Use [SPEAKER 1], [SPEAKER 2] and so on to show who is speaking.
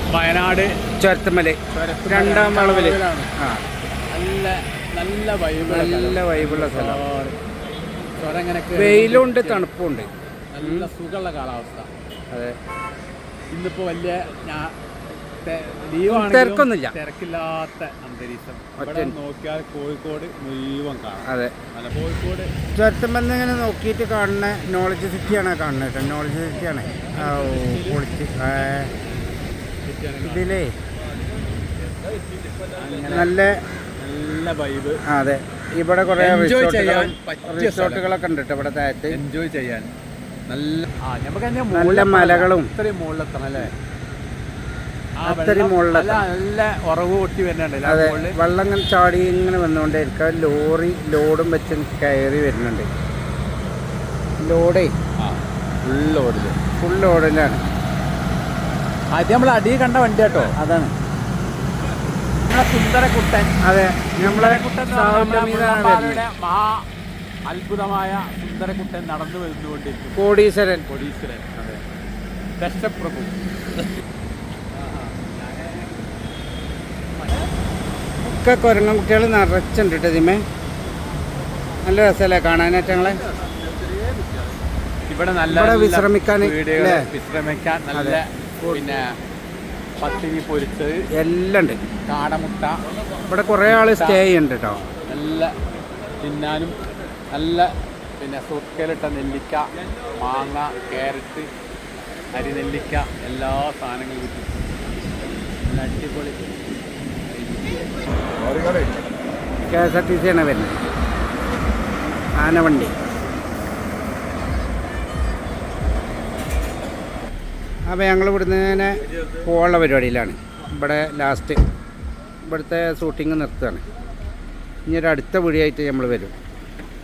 [SPEAKER 1] വയനാട്
[SPEAKER 2] ചുരത്തുമല രണ്ടാം വളവില്
[SPEAKER 1] നല്ല നല്ല
[SPEAKER 2] വൈബുള്ള സ്ഥലം.
[SPEAKER 1] വെയിലുണ്ട്,
[SPEAKER 2] വെയിലുണ്ട്, തണുപ്പുണ്ട്,
[SPEAKER 1] നല്ല സുഖമുള്ള കാലാവസ്ഥ.
[SPEAKER 2] അതെ.
[SPEAKER 1] ഇന്നിപ്പോ വലിയ
[SPEAKER 2] തിരക്കൊന്നുമില്ല,
[SPEAKER 1] തിരക്കില്ലാത്ത അന്തരീക്ഷം. നോക്കിയാൽ കോഴിക്കോട് മുഴുവൻ കാണാം.
[SPEAKER 2] അതെ,
[SPEAKER 1] കോഴിക്കോട്
[SPEAKER 2] ചുരത്തുമല ഇങ്ങനെ നോക്കിയിട്ട് കാണുന്ന നോളജ് സിറ്റിയാണ് കാണുന്നത് കേട്ടോ. നോളജ് സിറ്റിയാണ് പൊളിച്ച് ഇതിലേ നല്ല
[SPEAKER 1] നല്ല വൈബ്.
[SPEAKER 2] അതെ, ഇവിടെ കുറേ റിസോർട്ടുകളൊക്കെ ഉണ്ട് കേട്ടോ. ഇവിടെ താഴത്ത്
[SPEAKER 1] എൻജോയ് ചെയ്യാൻ
[SPEAKER 2] നല്ല മലകളും
[SPEAKER 1] ഇത്രയും മുകളിലെത്തണം അല്ലേ?
[SPEAKER 2] അത്രയും മുകളിലെത്തണം.
[SPEAKER 1] നല്ല ഉറവ് പൊട്ടി വരുന്നുണ്ട്.
[SPEAKER 2] അതെ, വെള്ളം ഇങ്ങനെ ചാടി ഇങ്ങനെ വന്നുകൊണ്ടേയിരിക്കുക. ലോഡും വെച്ച് കയറി വരുന്നുണ്ട്. ലോഡേ ഫുൾ ലോഡിലാണ്.
[SPEAKER 1] ആദ്യം നമ്മൾ അടി കണ്ട വണ്ടി കേട്ടോ.
[SPEAKER 2] അതാണ്
[SPEAKER 1] നമ്മളെ സുന്ദരക്കുട്ടൻ.
[SPEAKER 2] അതെ, നമ്മളെ
[SPEAKER 1] മഹാ അത്ഭുതമായ സുന്ദരക്കുട്ടൻ നടന്നു വരുന്നുകൊണ്ടിരിക്കും.
[SPEAKER 2] കോടീശ്വരൻ.
[SPEAKER 1] അതെ, ദശപ്രഭു.
[SPEAKER 2] ഒക്കെ കുരങ്ങൻ കുട്ടികൾ നിറച്ചുണ്ട് കേട്ടോ. ഇതിമേ നല്ല രസമല്ലേ കാണാനായിട്ട് ഞങ്ങളെ.
[SPEAKER 1] ഇവിടെ നല്ല
[SPEAKER 2] വിശ്രമിക്കാൻ
[SPEAKER 1] നല്ല പിന്നെ പത്തിരി പൊരിച്ചത്
[SPEAKER 2] എല്ലാം ഉണ്ട്.
[SPEAKER 1] കാടമുട്ട.
[SPEAKER 2] ഇവിടെ കുറേ ആൾ സ്റ്റേ ചെയ്യുന്നുണ്ട് കേട്ടോ.
[SPEAKER 1] നല്ല തിന്നാനും നല്ല പിന്നെ സുർക്കയിലിട്ട നെല്ലിക്ക, മാങ്ങ, ക്യാരറ്റ്, അരിനെല്ലിക്ക എല്ലാ സാധനങ്ങളും കിട്ടും. നല്ല അടിപൊളി.
[SPEAKER 2] KSRTC ആണ് വരുന്നത്, ആനവണ്ടി. അപ്പോൾ ഞങ്ങൾ ഇവിടുന്ന് തന്നെ പോകാനുള്ള പരിപാടിയിലാണ്. ഇവിടെ ലാസ്റ്റ് ഇവിടുത്തെ ഷൂട്ടിങ് നിർത്തുകയാണ്. ഇനി ഒരു അടുത്ത വീഡിയോ ആയിട്ട് നമ്മൾ വരും.